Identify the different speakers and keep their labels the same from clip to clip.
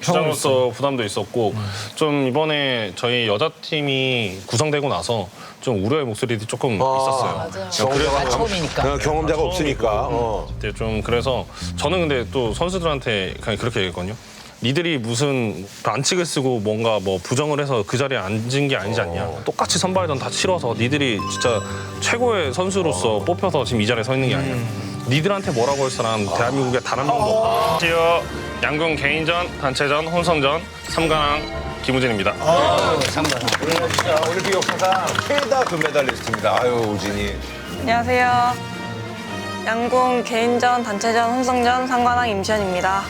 Speaker 1: 주장으로서 부담도 있었고 좀 이번에 저희 여자팀이 구성되고 나서 좀 우려의 목소리도 조금 있었어요.
Speaker 2: 맞아요. 처음이니까.
Speaker 3: 경험자가 없으니까.
Speaker 1: 그때 좀 그래서 저는 근데 또 선수들한테 그냥 그렇게 얘기했거든요. 니들이 무슨 반칙을 쓰고 뭔가 뭐 부정을 해서 그 자리에 앉은 게 아니지 않냐. 똑같이 선발전 다 치러서 니들이 진짜 최고의 선수로서 뽑혀서 지금 이 자리에 서 있는 게 아니야. 니들한테 뭐라고 할 사람 대한민국에 단 한 명도 없다. 지어 양궁 개인전, 단체전, 혼성전, 3강 김우진입니다.
Speaker 3: 진짜 올림픽 역사상 최다 금메달리스트입니다. 아유, 우진이.
Speaker 4: 안녕하세요. 양궁 개인전, 단체전, 혼성전, 상관왕 임시현입니다.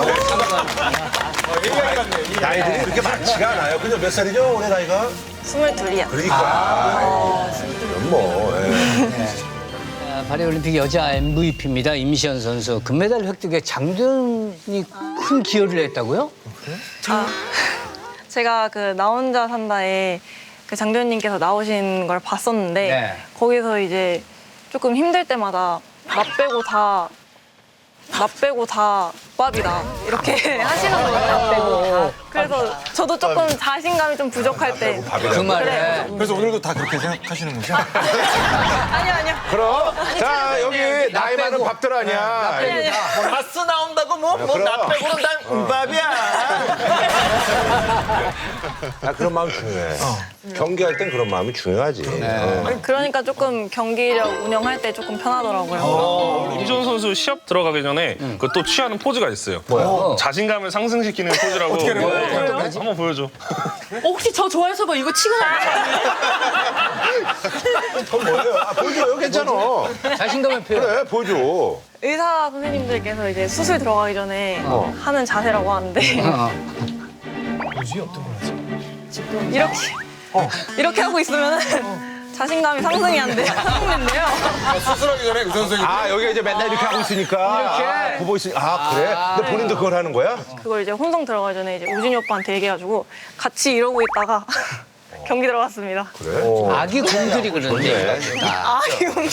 Speaker 3: 나이들이 그렇게 많지가 않아요. 그죠? 몇 살이죠? 올해 나이가?
Speaker 4: 22이요.
Speaker 3: 그러니까. 뭐.
Speaker 2: 파리올림픽 여자 MVP입니다. 임시현 선수. 금메달 획득에 장도연이 큰 기여를 했다고요?
Speaker 4: 제가 그 나 혼자 산다에 그 장도연님께서 나오신 걸 봤었는데
Speaker 2: 네.
Speaker 4: 거기서 이제 조금 힘들 때마다 나 빼고 다 밥이다 이렇게 하시는 거예요. 그래서 저도 조금 자신감이 좀 부족할 때
Speaker 2: 그 말에.
Speaker 4: 그래.
Speaker 5: 그래서 오늘도 다 그렇게 생각하시는 거죠?
Speaker 4: 아니요.
Speaker 3: 그럼, 자, 여기 나이 많은 밥들 아니야.
Speaker 5: 가스 나온다고 뭐 나 빼고는 난 음밥이야.
Speaker 3: 그런 마음 중요해. 경기할 땐 그런 마음이 중요하지.
Speaker 4: 그러니까 조금 경기력 운영할 때 조금 편하더라고요.
Speaker 1: 임시현 선수 시합 들어가기 전에 그 또 취하는 포즈가 있어요.
Speaker 3: 뭐야?
Speaker 1: 자신감을 상승시키는 포즈라고. 어떻게 한번 보여줘.
Speaker 6: 혹시 저 좋아해서 뭐 이거 치고 나가요?
Speaker 3: 그건 뭐예요? 보여줘요. 괜찮아.
Speaker 2: 자신감의 표현.
Speaker 3: 그래, 보여줘.
Speaker 4: 의사 선생님들께서 이제 수술 들어가기 전에 하는 자세라고 하는데 이렇게 하고 있으면 자신감이 상승이 안 돼요. 상승된대요.
Speaker 5: 수술하기 전에 그 선생님
Speaker 3: 여기 이제 맨날 이렇게 하고 있으니까. 보고 있으니까. 그래? 근데 본인도 그걸 하는 거야?
Speaker 4: 그걸 이제 혼성 들어가기 전에 이제 우진이 오빠한테 얘기해가지고 같이 이러고 있다가 경기 들어갔습니다.
Speaker 3: 그래?
Speaker 2: 아기 곰들이 그러는데.
Speaker 4: 이거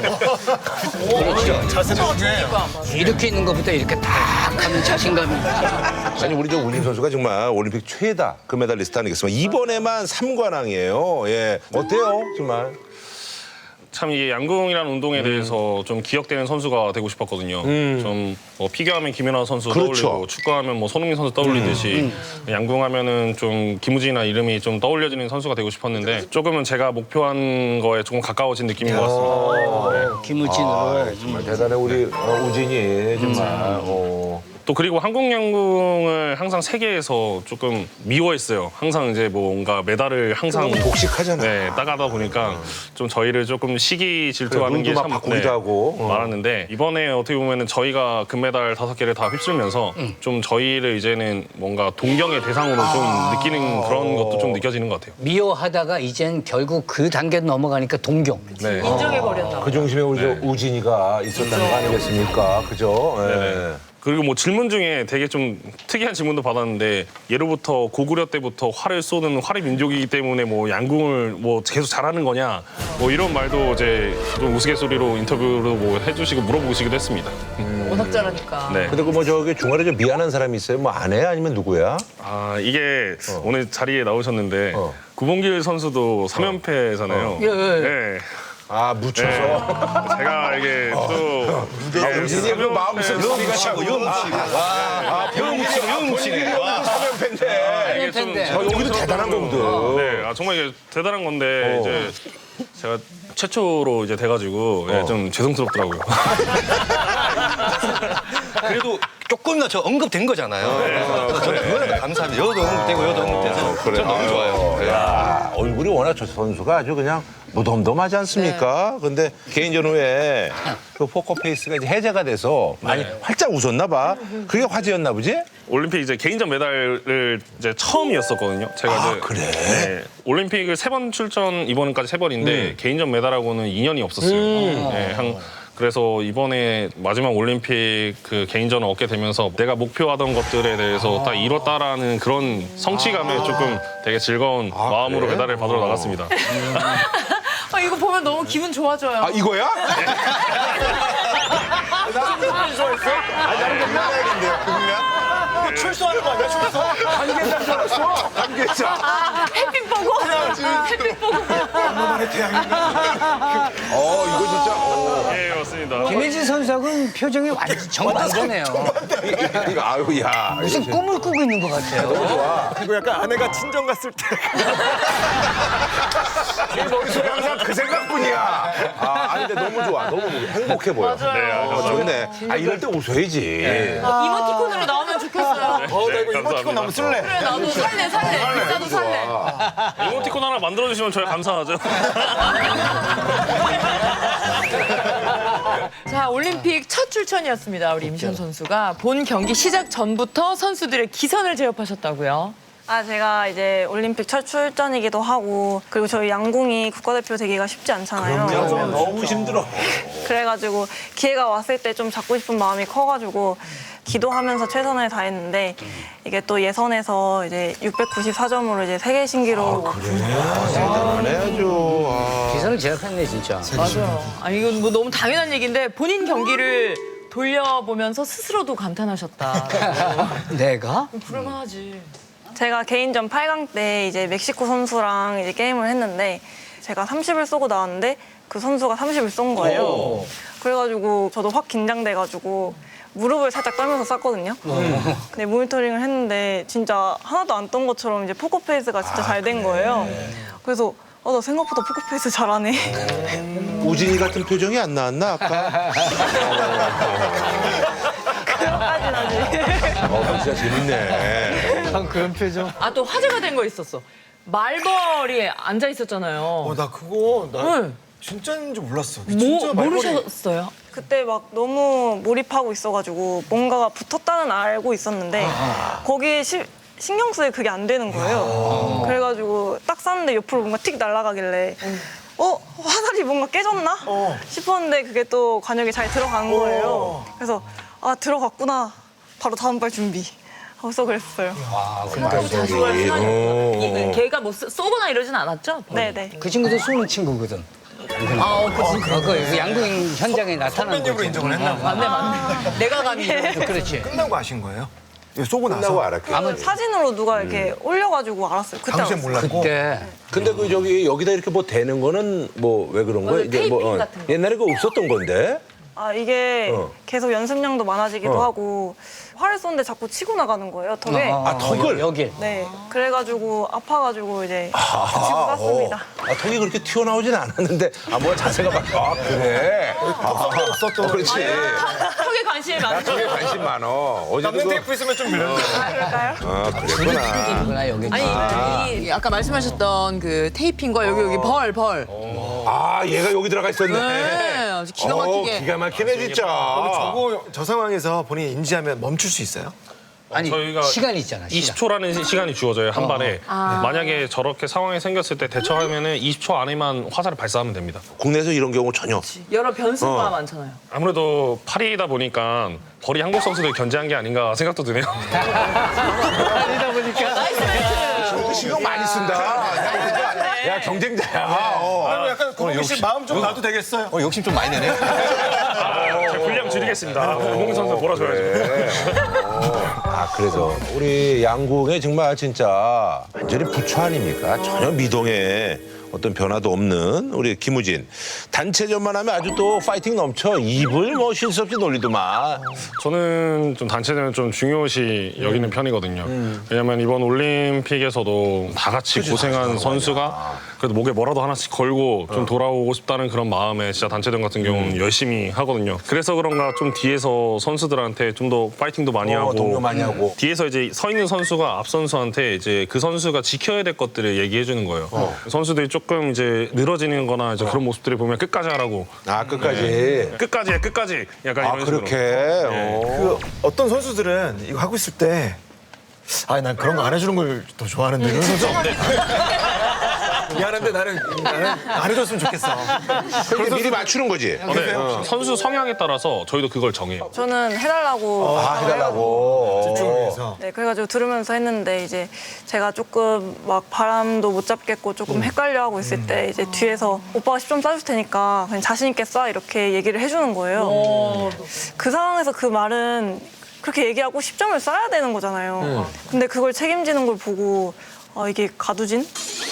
Speaker 2: 그렇죠. 이렇게 있는 것보다 이렇게 딱 하면 자신감이.
Speaker 3: 아니, 우리 저 우진 선수가 정말 올림픽 최다 금메달리스트 아니겠습니까? 이번에만 3관왕이에요. 예. 어때요? 정말.
Speaker 1: 참 이게 양궁이라는 운동에 대해서 좀 기억되는 선수가 되고 싶었거든요. 좀 뭐 피겨하면 김연아 선수
Speaker 3: 그렇죠.
Speaker 1: 떠올리고 축구하면 뭐 손흥민 선수 떠올리듯이 양궁하면은 좀 김우진이나 이름이 좀 떠올려지는 선수가 되고 싶었는데 조금은 제가 목표한 거에 조금 가까워진 느낌인 것 같습니다.
Speaker 2: 김우진으로.
Speaker 3: 정말 대단해, 우리 우진이. 정말.
Speaker 1: 또 그리고 한국 양궁을 항상 세계에서 조금 미워했어요. 항상 이제 뭔가 메달을 항상
Speaker 3: 복식하잖아.
Speaker 1: 네, 따가다 보니까 좀 저희를 조금 시기 질투하는
Speaker 3: 그래,
Speaker 1: 게
Speaker 3: 눈도 막 바꾸기도 하고.
Speaker 1: 많았는데 이번에 어떻게 보면은 저희가 금메달 5개를 다 휩쓸면서 좀 저희를 이제는 뭔가 동경의 대상으로 좀 느끼는 그런 것도 좀 느껴지는 것 같아요.
Speaker 2: 미워하다가 이젠 결국 그 단계 넘어가니까 동경.
Speaker 1: 네.
Speaker 6: 인정해버렸나 봐.
Speaker 3: 그 중심에 우리 저 우진이가 있었다는 거 아니겠습니까? 그죠? 예.
Speaker 1: 네네. 그리고 뭐 질문 중에 되게 좀 특이한 질문도 받았는데 예로부터 고구려 때부터 활을 쏘는 활의 민족이기 때문에 뭐 양궁을 뭐 계속 잘하는 거냐 뭐 이런 말도 이제 좀 우스갯소리로 인터뷰로 뭐 해주시고 물어보시기도 했습니다.
Speaker 6: 워낙 잘하니까.
Speaker 1: 네.
Speaker 3: 근데 그 뭐 저기 중간에 좀 미안한 사람이 있어요? 뭐 아내 아니면 누구야?
Speaker 1: 아 이게 오늘 자리에 나오셨는데 구봉길 선수도 3연패잖아요.
Speaker 2: 예, 예.
Speaker 1: 네.
Speaker 3: 아, 묻혀서.
Speaker 1: 제가 이게 또
Speaker 3: 우진이 그 마음속 소리가 자꾸 뭉치네.
Speaker 1: 뭉치네.
Speaker 3: 사면팬데.
Speaker 1: 이게 좀
Speaker 3: 여기도 대단한 거거든.
Speaker 1: 네, 정말 이게 대단한 건데 이제 제가 최초로 이제 돼가지고 예, 좀 죄송스럽더라고요.
Speaker 7: 그래도 조금이나 저 언급된 거잖아요. 그래서 저는 그거는 감사합니다. 여도 언급되고 여도 언급돼서 저는 너무 좋아요.
Speaker 3: 야, 얼굴이 워낙 저 선수가 아주 그냥 무덤덤하지 않습니까? 근데 개인전 후에 그 포커페이스가 이제 해제가 돼서 많이 활짝 웃었나 봐. 그게 화제였나 보지?
Speaker 1: 올림픽 이제 개인전 메달을 이제 처음이었었거든요. 제가 이제
Speaker 3: 그래?
Speaker 1: 네, 올림픽을 3번 출전 이번까지 3번인데 개인전 메달하고는 인연이 없었어요. 네, 그래서 이번에 마지막 올림픽 그 개인전을 얻게 되면서 내가 목표하던 것들에 대해서 딱 이뤘다라는 그런 성취감에 조금 되게 즐거운 마음으로
Speaker 3: 그래?
Speaker 1: 메달을 받으러 나갔습니다.
Speaker 6: 이거 보면 너무 기분 좋아져요.
Speaker 3: 아, 이거야? 나는 좋아했어? 아, 나는 좀 해야겠는데요, 그러면?
Speaker 5: 출소하는 거 아니야, 출소?
Speaker 3: 관계자인 줄 알았어. 관계자.
Speaker 6: 햇빛 보고. 햇빛 보고.
Speaker 5: 엄마만의 태양인가?
Speaker 3: 이거 진짜.
Speaker 1: 예, 맞습니다.
Speaker 2: 김혜진 선수하고는 표정이 완전 정반대네요.
Speaker 3: 이거 아유 야.
Speaker 2: 무슨 꿈을 꾸고 있는 것 같아요.
Speaker 5: 그리고 약간 아내가 친정 갔을 때.
Speaker 3: 내 머릿속에 항상 그 생각뿐이야. 아니 근데 너무 좋아. 너무 행복해 보여.
Speaker 6: 맞아요.
Speaker 3: 좋네. 이럴 때 웃어야지.
Speaker 6: 이모티콘으로 나오면 좋겠어요.
Speaker 5: 나 이거 이모티콘 너무 쓸래.
Speaker 6: 그래, 나도 살래. 비싸도 살래.
Speaker 1: 이모티콘 하나 만들어주시면 저희 감사하죠.
Speaker 6: 자, 올림픽 첫 출전이었습니다. 우리 임시현 선수가 본 경기 시작 전부터 선수들의 기선을 제압하셨다고요.
Speaker 4: 제가 이제 올림픽 첫 출전이기도 하고 그리고 저희 양궁이 국가대표 되기가 쉽지 않잖아요.
Speaker 3: 너무 힘들어.
Speaker 4: 그래가지고 기회가 왔을 때 좀 잡고 싶은 마음이 커가지고 기도하면서 최선을 다했는데 이게 또 예선에서 이제 694점으로 이제 세계 신기록
Speaker 3: 안 해야죠.
Speaker 2: 기선을 제압했네 진짜.
Speaker 6: 맞아요. 아니, 이건 뭐 너무 당연한 얘기인데 본인 경기를 돌려보면서 스스로도 감탄하셨다.
Speaker 2: 내가?
Speaker 6: 불만하지.
Speaker 4: 제가 개인전 8강 때 이제 멕시코 선수랑 이제 게임을 했는데 제가 30을 쏘고 나왔는데 그 선수가 30을 쏜 거예요. 그래가지고 저도 확 긴장돼가지고 무릎을 살짝 떨면서 쐈거든요. 근데 모니터링을 했는데 진짜 하나도 안 떤 것처럼 이제 포커페이스가 진짜 잘 된 거예요. 그래서 나 생각보다 포커페이스 잘하네.
Speaker 3: 우진이 같은 표정이 안 나왔나 아까?
Speaker 4: 그것까지는 아직.
Speaker 3: 진짜 재밌네.
Speaker 2: 그런 표정.
Speaker 6: 아, 또 화제가 된 거 있었어. 말벌이 앉아 있었잖아요.
Speaker 5: 나 그거 나
Speaker 6: 네.
Speaker 5: 진짜인 줄 몰랐어. 진짜
Speaker 6: 뭐,
Speaker 5: 말벌이.
Speaker 6: 모르셨어요?
Speaker 4: 그때 막 너무 몰입하고 있어가지고 뭔가가 붙었다는 알고 있었는데 거기에 신경 쓰여 그게 안 되는 거예요. 그래가지고 딱 쐈는데 옆으로 뭔가 틱 날아가길래 화살이 뭔가 깨졌나 싶었는데 그게 또 관역에 잘 들어간 거예요. 그래서 들어갔구나. 바로 다음 발 준비. 하고서 그랬어요.
Speaker 6: 걔가 뭐 쏘거나 이러진 않았죠?
Speaker 4: 네네.
Speaker 2: 그 친구도 쏘는 친구거든. 그 양궁 현장에 나타나는
Speaker 5: 선배님으로
Speaker 2: 거지.
Speaker 5: 인정을 했나 봐.
Speaker 6: 맞네. 내가 감히.
Speaker 2: 그렇지.
Speaker 5: 끝나고 아신 거예요? 이거 쏘고 나서?
Speaker 3: 끝나고 알았게.
Speaker 4: 사진으로 누가 이렇게 올려가지고 알았어요. 그때
Speaker 5: 당시엔
Speaker 4: 알았어요.
Speaker 5: 몰랐고.
Speaker 2: 그때
Speaker 3: 근데 그 여기다 이렇게 뭐 대는 거는 뭐 왜 그런 거야?
Speaker 6: 테이핑 같은 거.
Speaker 3: 옛날에 그 없었던 건데.
Speaker 4: 이게 계속 연습량도 많아지기도 하고 활을 쏘는데 자꾸 치고 나가는 거예요, 턱에.
Speaker 3: 턱을?
Speaker 2: 여길.
Speaker 4: 네. 그래가지고 아파가지고 이제 붙이고 쐈습니다.
Speaker 3: 턱이 그렇게 튀어나오진 않았는데 뭐 자세가 막 그래.
Speaker 5: 썼던.
Speaker 3: 그렇지.
Speaker 6: 턱에 관심이 많죠.
Speaker 3: 턱에 관심 많어. 어제도
Speaker 5: 남는 테이프 있으면 좀 밀려.
Speaker 4: 그럴까요?
Speaker 3: 그랬구나.
Speaker 2: 이구나 여기.
Speaker 6: 아니, 아까 말씀하셨던 그 테이핑과 여기 벌.
Speaker 3: 얘가 여기 들어가 있었네.
Speaker 6: 네, 아주 기가 막히게.
Speaker 3: 기가 막히네 진짜.
Speaker 5: 저 상황에서 본인이 인지하면 멈출 수 있어요?
Speaker 2: 아니
Speaker 1: 저희가
Speaker 2: 시간이 있잖아. 시간.
Speaker 1: 20초라는 시간이 주어져요, 한 발에. 만약에 저렇게 상황이 생겼을 때 대처하면은 20초 안에만 화살을 발사하면 됩니다.
Speaker 3: 국내에서 이런 경우 전혀.
Speaker 6: 여러 변수가 많잖아요.
Speaker 1: 아무래도 파리이다 보니까 벌이 한국 선수들 견제한 게 아닌가 생각도 드네요.
Speaker 3: 신경 많이 쓴다. 야 경쟁자야.
Speaker 5: 그리고 약간 고민 씨 마음 좀 놔도 되겠어요?
Speaker 7: 욕심 좀 많이 내네.
Speaker 1: 제 분량 줄이겠습니다. 홍 선수 몰아줘야죠.
Speaker 3: 그래서 우리 양궁에 정말 진짜 완전히 부처 아닙니까? 전혀 미동에 어떤 변화도 없는 우리 김우진. 단체전만 하면 아주 또 파이팅 넘쳐. 입을 뭐 쉴 수 없이 놀리더만.
Speaker 1: 저는 좀 단체전을 좀 중요시 여기는 편이거든요. 왜냐면 이번 올림픽에서도 다 같이 고생한 선수가 그래도 목에 뭐라도 하나씩 걸고 좀 돌아오고 싶다는 그런 마음에 진짜 단체전 같은 경우는 열심히 하거든요. 그래서 그런가 좀 뒤에서 선수들한테 좀 더 파이팅도 많이 하고
Speaker 3: 동료 많이 하고.
Speaker 1: 뒤에서 이제 서 있는 선수가 앞 선수한테 이제 그 선수가 지켜야 될 것들을 얘기해 주는 거예요. 선수들이 조금 이제 늘어지는 거나 이제 그런 모습들을 보면 끝까지 하라고.
Speaker 3: 끝까지.
Speaker 1: 끝까지 해, 끝까지. 약간 이런 식으로.
Speaker 3: 그렇게.
Speaker 5: 그 어떤 선수들은 이거 하고 있을 때 난 그런 거 안 해주는 걸 더 좋아하는데 그런 선수 미안한데 나는 안 해줬으면 좋겠어.
Speaker 3: 그렇게 미리 맞추는 거지.
Speaker 1: 네. 선수 성향에 따라서 저희도 그걸 정해요.
Speaker 4: 저는 해달라고.
Speaker 3: 해달라고.
Speaker 5: 집중을 위해서.
Speaker 4: 네, 그래가지고 들으면서 했는데 이제 제가 조금 막 바람도 못 잡겠고 조금 헷갈려하고 있을 때 이제 뒤에서 오빠가 10점 쏴줄 테니까 그냥 자신 있게 쏴 이렇게 얘기를 해주는 거예요. 그 상황에서 그 말은 그렇게 얘기하고 10점을 쏴야 되는 거잖아요. 근데 그걸 책임지는 걸 보고 이게 가두진?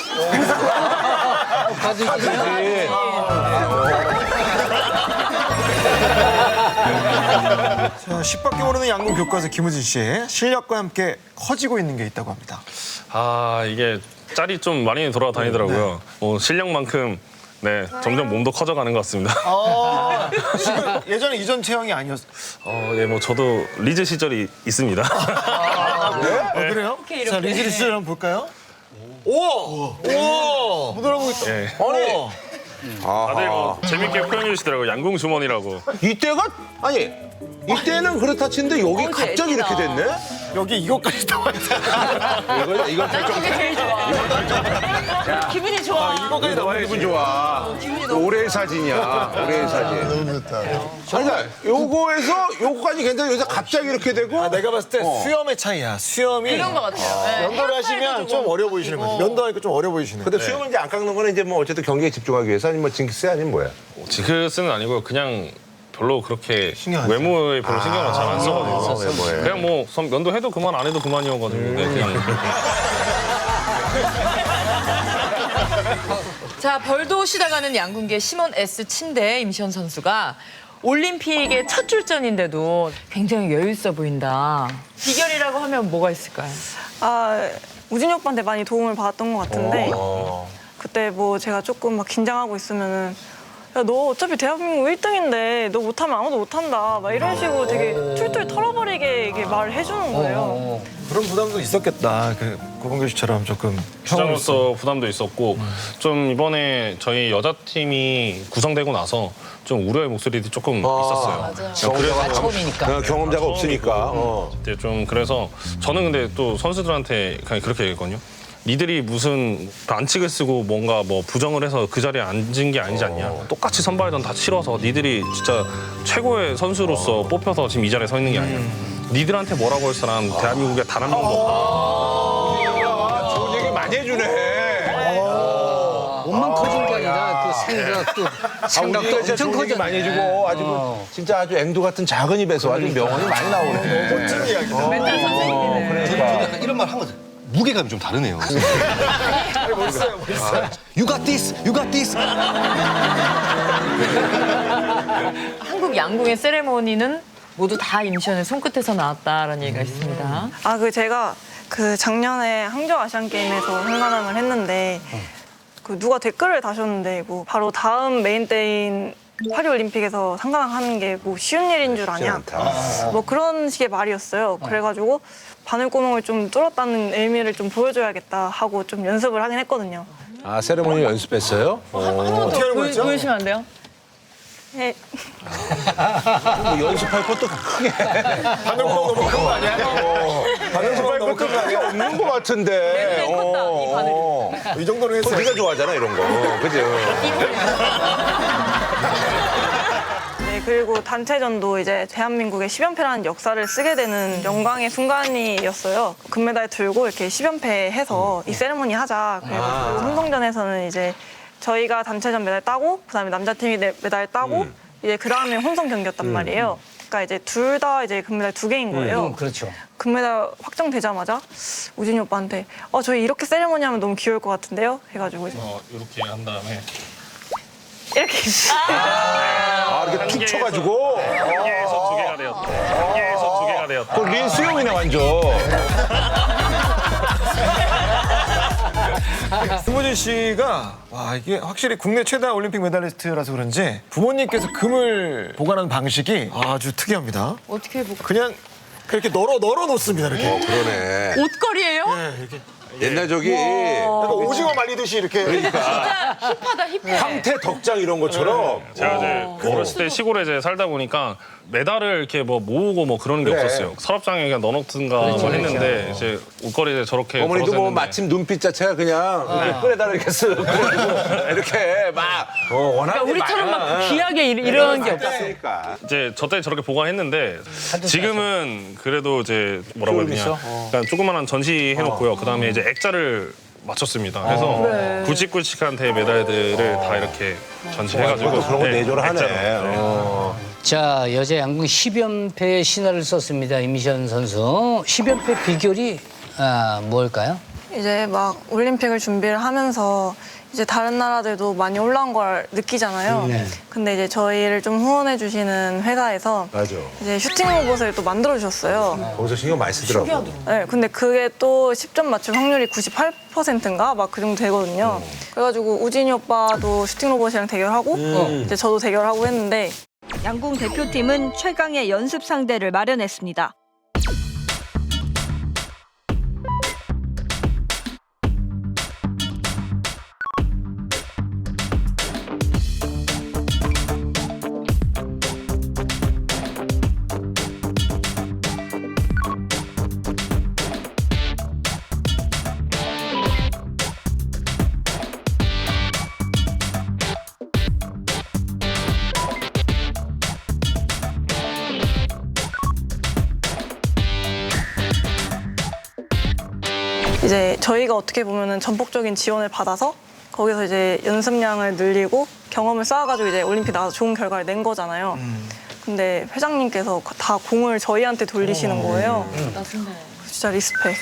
Speaker 5: 자, 10밖에 모르는 양궁 교과서 김우진 씨 실력과 함께 커지고 있는 게 있다고 합니다.
Speaker 1: 아 이게 짤이 좀 많이 돌아다니더라고요. 실력만큼 네 점점 몸도 커져가는 것 같습니다.
Speaker 5: 지금 예전에 이전 체형이 아니었어요.
Speaker 1: 예, 뭐 저도 리즈 시절이 있습니다.
Speaker 5: 그래요? 자, 리즈리 씨 한번 볼까요? 오! 오! 부드러운 거 있다.
Speaker 1: 예.
Speaker 3: 아니
Speaker 1: 다들 뭐 재밌게 표현해 주시더라고요. 양궁 주머니라고.
Speaker 3: 이때가 아니 이때는 그렇다 치는데 여기 갑자기 이렇게 됐네.
Speaker 5: 여기 이것까지 나와 있어요.
Speaker 3: 이거
Speaker 6: 그게 제일 좋아. 기분이 좋아.
Speaker 5: 이것까지 나와 있어요.
Speaker 3: 기분 좋아. 올해의 사진이야. 올해의 사진. 너무 좋다. 아니, 그러니까 요거에서 요거까지 괜찮아. 여기서 갑자기 이렇게 되고.
Speaker 5: 내가 봤을 때 수염의 차이야. 수염이
Speaker 6: 그런 것 같아요. 네.
Speaker 5: 면도를 하시면 좀 어려 보이시는 거죠. 면도하니까 좀 어려 보이시는 거죠.
Speaker 3: 근데 수염을 이제 안 깎는 거는 이제 뭐 어쨌든 경기에 집중하기 위해서 아니면 뭐 징크스 아니면 뭐야?
Speaker 1: 지크스는 아니고 그냥 별로 그렇게
Speaker 5: 신경 안 써.
Speaker 1: 외모에 별로 신경을 잘 안 써가지고
Speaker 3: 외모에.
Speaker 1: 그냥 뭐 면도 해도 그만 안 해도 그만이어가지고 네, 그냥
Speaker 6: 자, 벌도 시다가는 양궁계 심원 S 친대 임시현 선수가 올림픽의 첫 출전인데도 굉장히 여유 있어 보인다. 비결이라고 하면 뭐가 있을까요?
Speaker 4: 우진이 오빠한테 많이 도움을 받았던 것 같은데 그때 뭐 제가 조금 막 긴장하고 있으면은 야, 너 어차피 대한민국 1등인데 너 못하면 아무도 못한다. 막 이런 식으로 되게 툴툴 털어버리게 이게 말을 해주는 거예요.
Speaker 5: 그런 부담도 있었겠다. 그 고봉규 씨처럼 조금
Speaker 1: 주장으로서 부담도 있었고 좀 이번에 저희 여자팀이 구성되고 나서 좀 우려의 목소리도 조금 있었어요.
Speaker 2: 아, 처음이니까.
Speaker 3: 경험자가 없으니까.
Speaker 1: 이제 좀 그래서 저는 근데 또 선수들한테 그냥 그렇게 얘기했거든요. 니들이 무슨 반칙을 쓰고 뭔가 뭐 부정을 해서 그 자리에 앉은 게 아니지 않냐. 똑같이 선발전 다 치러서 니들이 진짜 최고의 선수로서 뽑혀서 지금 이 자리에 서 있는 게 아니야. 니들한테 뭐라고 할 사람 대한민국에 단 한 명도 없다.
Speaker 3: 좋은 얘기 많이 해주네.
Speaker 2: 몸만 커진 게 아니라 그 생각도
Speaker 3: 우리가 진짜
Speaker 2: 엄청
Speaker 3: 좋은 얘기
Speaker 2: 커졌네.
Speaker 3: 많이 해주고 아주 진짜 아주 앵두 같은 작은 입에서 아주 명언이 많이 나오네.
Speaker 5: 멋진 이야기다.
Speaker 6: 맨날 선생님이네.
Speaker 7: 저는 약간 이런 말 한 거죠. 무게감이 좀 다르네요.
Speaker 5: 멋있어요.
Speaker 7: You got this, you got this.
Speaker 6: 한국 양궁의 세레모니는 모두 다 임시현의 손끝에서 나왔다라는 얘기가 있습니다.
Speaker 4: 제가 그 작년에 항저우 아시안 게임에서 상관왕을 했는데 그 누가 댓글을 다셨는데 뭐 바로 다음 메인 때인 파리 올림픽에서 상관왕 하는 게 뭐 쉬운 일인 줄 아냐. 뭐 그런 식의 말이었어요. 그래가지고 바늘구멍을 좀 뚫었다는 의미를 좀 보여줘야겠다 하고 좀 연습을 하긴 했거든요.
Speaker 3: 아 세레모니 연습했어요?
Speaker 5: 어떻게 하는 거였죠?
Speaker 6: 보여주시면 안 돼요?
Speaker 4: 네.
Speaker 3: 뭐 연습할 것도 크게.
Speaker 5: 바늘구멍 너무 큰 거 아니야? 바늘구멍 너무 큰 거 아니야?
Speaker 3: 없는 것 같은데.
Speaker 6: 네, 컸다, 이 바늘이.
Speaker 5: 이 정도는 했어요.
Speaker 3: 네가 좋아하잖아 이런 거. 그죠?
Speaker 4: 네, 그리고 단체전도 이제 대한민국의 10연패라는 역사를 쓰게 되는 영광의 순간이었어요. 금메달 들고 이렇게 10연패 해서 이 세레모니 하자. 그리고 혼성전에서는 이제 저희가 단체전 메달 따고 그다음에 남자팀이 메달 따고 이제 그다음에 혼성 경기였단 말이에요. 그러니까 이제 둘 다 이제 금메달 2개인 거예요.
Speaker 2: 그렇죠.
Speaker 4: 금메달 확정되자마자 우진이 오빠한테 저희 이렇게 세레모니 하면 너무 귀여울 것 같은데요? 해가지고 이제
Speaker 1: 이렇게 한 다음에
Speaker 4: 이렇게
Speaker 3: 아 이렇게 툭 쳐가지고.
Speaker 1: 한 개에서 2개가 되었다. 한 개에서 2개가 되었다.
Speaker 3: 그 린 수영이네 완전.
Speaker 5: 김우진 씨가 와 이게 확실히 국내 최다 올림픽 메달리스트라서 그런지 부모님께서 금을 보관하는 방식이 아주 특이합니다.
Speaker 6: 어떻게 해볼까?
Speaker 5: 그냥 그렇게 널어 놓습니다 이렇게.
Speaker 3: 그러네.
Speaker 6: 옷걸이에요?
Speaker 3: 옛날 저기
Speaker 5: 약간 오징어 말리듯이 이렇게.
Speaker 6: 진짜 힙하다, 힙해.
Speaker 3: 황태 덕장 이런 것처럼.
Speaker 1: 제가 이제 어렸을 때 시골에 이제 살다 보니까 메달을 이렇게 뭐 모으고 뭐 그러는 게
Speaker 3: 그래.
Speaker 1: 없었어요. 서랍장에 그냥 넣어놓든가 뭐 했는데 이제 옷걸이에 저렇게
Speaker 3: 어머니도 뭐
Speaker 1: 걸어서
Speaker 3: 마침 눈빛 자체가 그냥 이렇게 끌에다가 이렇게 쓱 그래가지고 이렇게 막 워낙에
Speaker 6: 그러니까 우리처럼 막 귀하게 이런 게 없어.
Speaker 3: 없으니까.
Speaker 1: 이제 저 때 저렇게 보관했는데 지금은 그래도 이제 뭐라고 해야 되냐. 그러니까 조그만한 전시 해놓고요. 그다음에 이제 액자를 맞췄습니다. 그래서 굵직굵직한 대 메달들을 다 이렇게 전시해가지고
Speaker 3: 그런 거 내조를 하네.
Speaker 1: 액자로.
Speaker 3: 어.
Speaker 2: 자, 여자 양궁 10연패의 신화를 썼습니다. 임시현 선수. 10연패 비결이 뭘까요?
Speaker 4: 이제 막 올림픽을 준비를 하면서 이제 다른 나라들도 많이 올라온 걸 느끼잖아요.
Speaker 2: 네.
Speaker 4: 근데 이제 저희를 좀 후원해 주시는 회사에서
Speaker 3: 맞아.
Speaker 4: 이제 슈팅 로봇을 또 만들어 주셨어요.
Speaker 3: 거기서 신경 많이 쓰더라고.
Speaker 4: 네, 근데 그게 또 10점 맞출 확률이 98%인가 막 그 정도 되거든요. 그래가지고 우진이 오빠도 슈팅 로봇이랑 대결하고 이제 저도 대결하고 했는데
Speaker 8: 양궁 대표팀은 최강의 연습 상대를 마련했습니다.
Speaker 4: 이제 저희가 어떻게 보면은 전폭적인 지원을 받아서 거기서 이제 연습량을 늘리고 경험을 쌓아가지고 이제 올림픽 나가서 좋은 결과를 낸 거잖아요. 근데 회장님께서 다 공을 저희한테 돌리시는 거예요. 진짜 리스펙.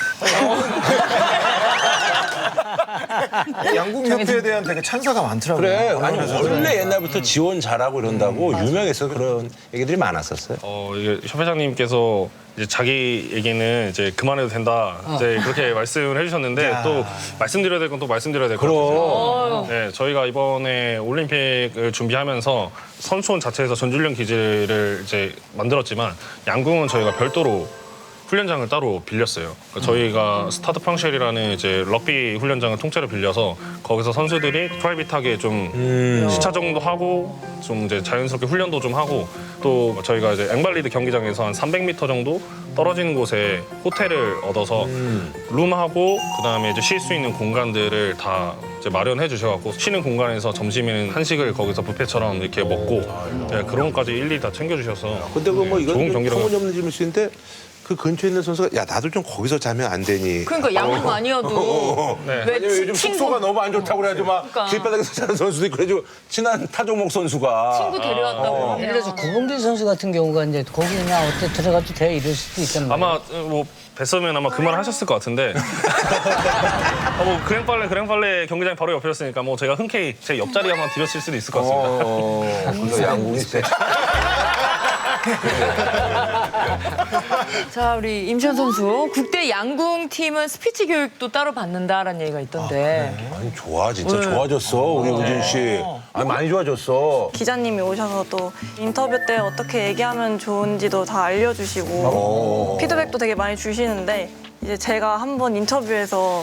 Speaker 5: 양궁협회에 대한 되게 찬사가 많더라고요.
Speaker 3: 그래. 아니
Speaker 5: 언론에서도.
Speaker 3: 원래 옛날부터 지원 잘하고 이런다고 유명해서 그런 얘기들이 많았었어요.
Speaker 1: 이게 협회장님께서 이제 자기 얘기는 이제 그만해도 된다. 이제 그렇게 말씀을 해주셨는데 또 말씀드려야 될 건 또 말씀드려야 될 것 같아요. 네, 저희가 이번에 올림픽을 준비하면서 선수원 자체에서 전주훈련 기지를 이제 만들었지만 양궁은 저희가 별도로 훈련장을 따로 빌렸어요. 그러니까 저희가 스타드 프랑쉘이라는 이제 럭비 훈련장을 통째로 빌려서 거기서 선수들이 프라이빗하게 좀 시차 정도 하고 좀 이제 자연스럽게 훈련도 좀 하고 또 저희가 이제 앵발리드 경기장에서 한 300m 정도 떨어지는 곳에 호텔을 얻어서 룸하고 그다음에 이제 쉴 수 있는 공간들을 다 이제 마련해 주셔갖고 쉬는 공간에서 점심에는 한식을 거기서 뷔페처럼 이렇게 먹고 네, 그런 것까지 일일이 다 챙겨주셔서
Speaker 3: 근데 그 뭐 이건
Speaker 1: 좋은
Speaker 3: 좀
Speaker 1: 경기라고
Speaker 3: 터무니없는 질문인데 그 근처에 있는 선수가 야 나도 좀 거기서 자면 안 되니?
Speaker 6: 그러니까 양궁 아니어도
Speaker 1: 네.
Speaker 6: 왜
Speaker 3: 왜냐면 요즘
Speaker 6: 친구
Speaker 3: 숙소가 너무 안 좋다고 그래가지고 막
Speaker 6: 그러니까.
Speaker 3: 길바닥에서 자는 선수도 있고 그래가지고 친한 타종목 선수가
Speaker 6: 친구 데려왔다고
Speaker 2: 예를 들어서 구봉길 선수 같은 경우가 이제 거기나 어때 들어가도 돼 이럴 수도 있단 말이에요.
Speaker 1: 아마 뭐 뵀으면 아마 그 말 하셨을 것 같은데 뭐 그랭빨래 경기장 바로 옆이었으니까 뭐 제가 흔쾌히 제 옆자리 한번 드렸을 수도 있을 것 같습니다.
Speaker 3: 그래서 양궁이 세.
Speaker 6: 자, 우리 임시현 선수 국대 양궁 팀은 스피치 교육도 따로 받는다라는 얘기가 있던데.
Speaker 3: 아니 좋아 진짜 좋아졌어 우리 우진 씨. 아니 많이 좋아졌어.
Speaker 4: 기자님이 오셔서 또 인터뷰 때 어떻게 얘기하면 좋은지도 다 알려주시고 피드백도 되게 많이 주시는데 이제 제가 한번 인터뷰에서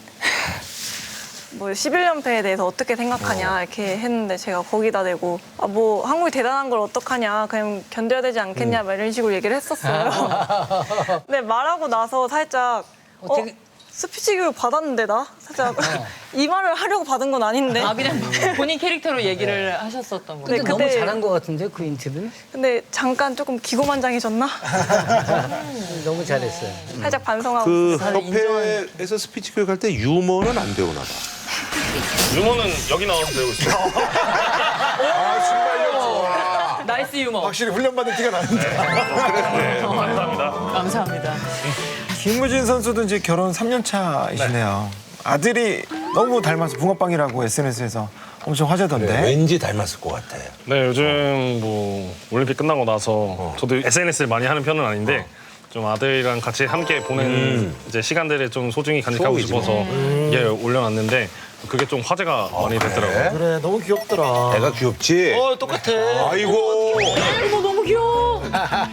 Speaker 4: 뭐 11연패에 대해서 어떻게 생각하냐 이렇게 했는데 제가 거기다 대고 뭐 한국이 대단한 걸 어떡하냐 그냥 견뎌야 되지 않겠냐 막 이런 식으로 얘기를 했었어요. 근데 말하고 나서 살짝
Speaker 2: 어떻게-
Speaker 4: 스피치 교육 받았는데 나? 살짝 이 말을 하려고 받은 건 아닌데
Speaker 6: 아, 그냥 본인 캐릭터로 얘기를 하셨었던
Speaker 2: 근데
Speaker 6: 거예요.
Speaker 2: 너무
Speaker 4: 그때-
Speaker 2: 잘한 것 같은데 그 인터뷰는?
Speaker 4: 근데 잠깐 조금 기고만장해졌나?
Speaker 2: 너무 잘했어요.
Speaker 4: 살짝 반성하고
Speaker 3: 그
Speaker 4: 있어요.
Speaker 3: 협회에서 스피치 교육할 때 유머는 안 배우나 봐.
Speaker 1: 유머는 여기 나와서 배우고 있어요.
Speaker 3: 아 순발력 좋아.
Speaker 6: 나이스 유머.
Speaker 5: 확실히 훈련받은 티가 나는데.
Speaker 1: 네, 감사합니다.
Speaker 6: 감사합니다.
Speaker 5: 김무진 선수도 이제 결혼 3년 차이시네요. 아들이 너무 닮아서 붕어빵이라고 SNS에서 엄청 화제던데.
Speaker 3: 왠지 닮았을 것 같아.
Speaker 1: 네, 요즘 뭐 올림픽 끝나고 나서 저도 SNS를 많이 하는 편은 아닌데 좀 아들이랑 같이 함께 보내는 이제 시간들을 좀 소중히 간직하고
Speaker 3: 추억이지
Speaker 1: 싶어서 예, 올려놨는데 그게 좀 화제가 많이 됐더라고요.
Speaker 5: 그래 너무 귀엽더라.
Speaker 3: 애가 귀엽지?
Speaker 5: 똑같아.
Speaker 3: 아이고.
Speaker 6: 어머, 너무 귀여워.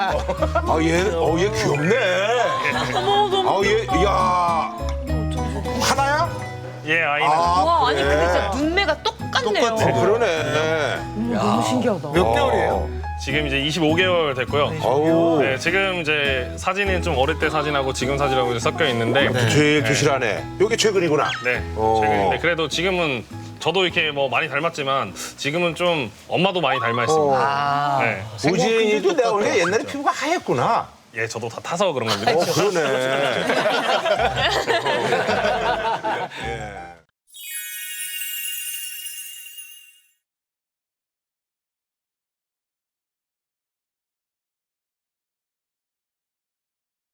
Speaker 3: 얘 귀엽네.
Speaker 6: 어머, 너무
Speaker 3: 아, 얘, 야. 하나야?
Speaker 1: 예, 아이는
Speaker 6: 와, 아니 근데 진짜 눈매가 똑같네요.
Speaker 3: 그러네.
Speaker 6: 너무 신기하다.
Speaker 5: 몇 개월이에요?
Speaker 1: 지금 이제 25개월 됐고요.
Speaker 3: 아우.
Speaker 1: 네, 지금 이제 사진은 좀 어릴 때 사진하고 지금 사진하고 이제 섞여 있는데
Speaker 3: 제일 부실하네. 요게 최근이구나.
Speaker 1: 네,
Speaker 3: 어.
Speaker 1: 최근인데 그래도 지금은 저도 이렇게 뭐 많이 닮았지만 지금은 좀 엄마도 많이 닮아 있습니다. 네.
Speaker 3: 우진이도 내가 보니까 옛날에 피부가 하얗구나.
Speaker 1: 예, 저도 다 타서 그런 겁니다.
Speaker 3: 그러네. 예.